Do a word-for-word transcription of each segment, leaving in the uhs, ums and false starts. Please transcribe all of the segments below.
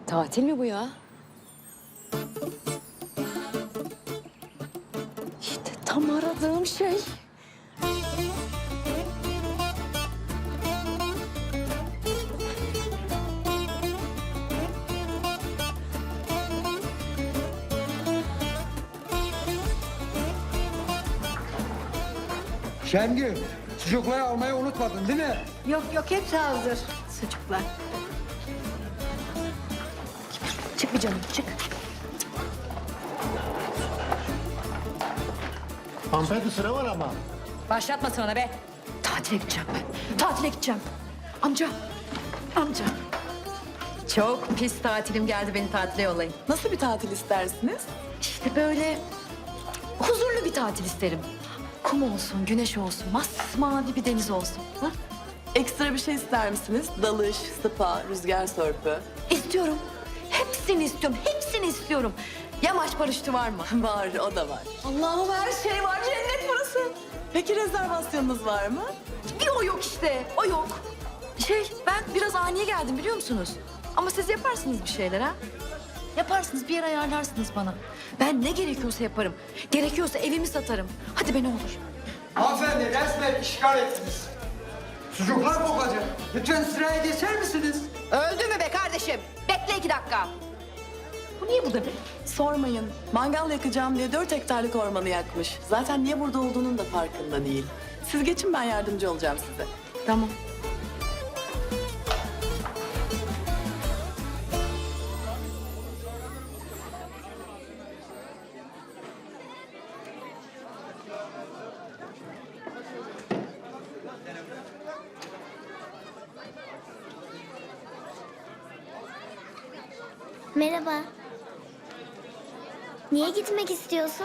Tatil mi bu ya? İşte tam aradığım şey. Şengül, çocukları almayı unutmadın değil mi? Yok yok hepsi hazır sucuklar. Çık bir canım, çık. Hanımefendi sıra var ama. Başlatma sana be. Tatile gideceğim ben. Tatile gideceğim. Amca, amca. Çok pis tatilim geldi, beni tatile yollayın. Nasıl bir tatil istersiniz? İşte böyle huzurlu bir tatil isterim. Kum olsun, güneş olsun, masmavi bir deniz olsun. Ha? Ekstra bir şey ister misiniz? Dalış, spa, rüzgar sörfü. İstiyorum. Hepsini istiyorum, hepsini istiyorum. Yamaç paraşütü var mı? Var, o da var. Allah'ım her şey var, cennet burası. Peki rezervasyonunuz var mı? Bir o yok işte, o yok. Şey, ben biraz ani geldim biliyor musunuz? Ama siz yaparsınız bir şeyler ha? Yaparsınız, bir yer ayarlarsınız bana. Ben ne gerekiyorsa yaparım. Gerekiyorsa evimi satarım. Hadi be ne olur. Hanımefendi resmen işgal ettiniz. Çocuklar kokacak. Lütfen sıraya geçer misiniz? Öldü mü be kardeşim? Bekle iki dakika. Bu niye burada be? Sormayın. Mangal yakacağım diye dört hektarlık ormanı yakmış. Zaten niye burada olduğunun da farkında değil. Siz geçin, ben yardımcı olacağım size. Tamam. Merhaba. Niye gitmek istiyorsun?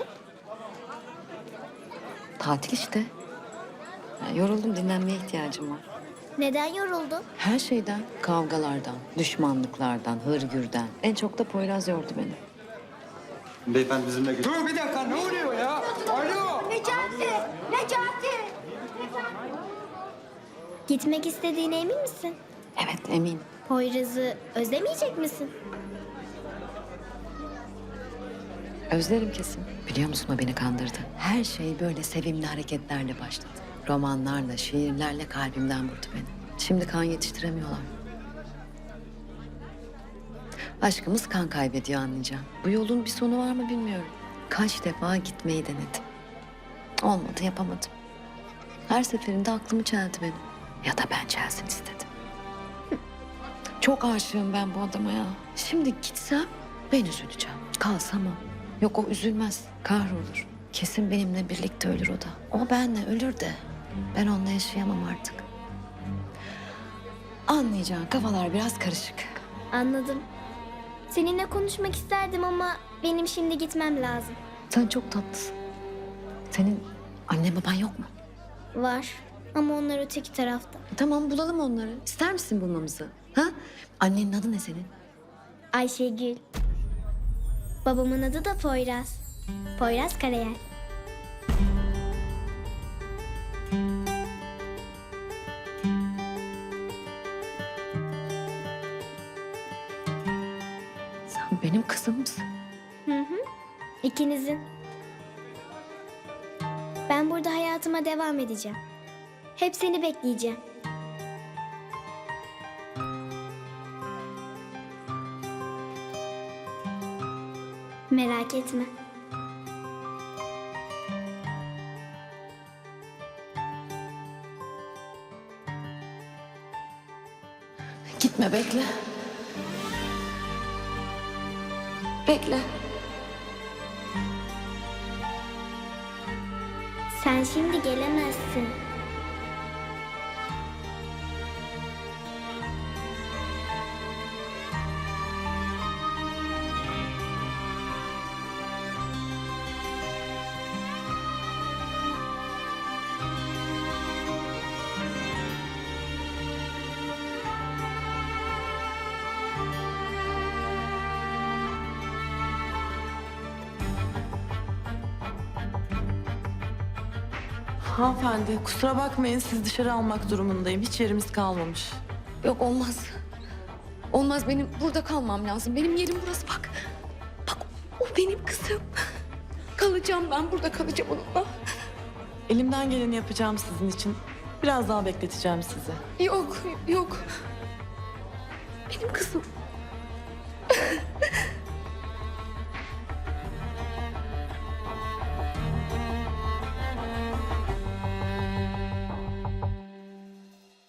Tatil işte. Ya, yoruldum, dinlenmeye ihtiyacım var. Neden yoruldun? Her şeyden, kavgalardan, düşmanlıklardan, hırgürden. En çok da Poyraz yordu beni. Beyefendi bizimle gö- Dur bir dakika ne oluyor ya? Alo. Necati! Necati! Gitmek istediğine emin misin? Evet, eminim. Poyraz'ı özlemeyecek misin? Özlerim kesin. Biliyor musun, o beni kandırdı. Her şey böyle sevimli hareketlerle başladı. Romanlarla, şiirlerle kalbimden vurdu beni. Şimdi kan yetiştiremiyorlar. Aşkımız kan kaybediyor, anlayacağım. Bu yolun bir sonu var mı bilmiyorum. Kaç defa gitmeyi denedim. Olmadı, yapamadım. Her seferinde aklımı çeldi benim. Ya da ben çelsin istedim. Hı. Çok aşığım ben bu adama ya. Şimdi gitsem ben üzüleceğim. Kalsam o. Yok, o üzülmez, kahrolur. Kesin benimle birlikte ölür o da. O benle ölür de ben onunla yaşayamam artık. Anlayacağın kafalar biraz karışık. Anladım. Seninle konuşmak isterdim ama benim şimdi gitmem lazım. Sen çok tatlısın. Senin annen baban yok mu? Var ama onlar öteki tarafta. Tamam, bulalım onları. İster misin bulmamızı? Ha? Annenin adı ne senin? Ayşegül. Babamın adı da Poyraz. Poyraz Karayel. Sen benim kızım mısın? İkinizin. Ben burada hayatıma devam edeceğim. Hep seni bekleyeceğim. Merak etme. Gitme, bekle. Bekle. Sen şimdi gelemezsin. Hanımefendi kusura bakmayın, siz dışarı almak durumundayım. Hiç yerimiz kalmamış. Yok, olmaz. Olmaz, benim burada kalmam lazım. Benim yerim burası, bak. Bak, o benim kızım. Kalacağım ben, burada kalacağım onunla. Elimden geleni yapacağım sizin için. Biraz daha bekleteceğim sizi. Yok, yok. Benim kızım.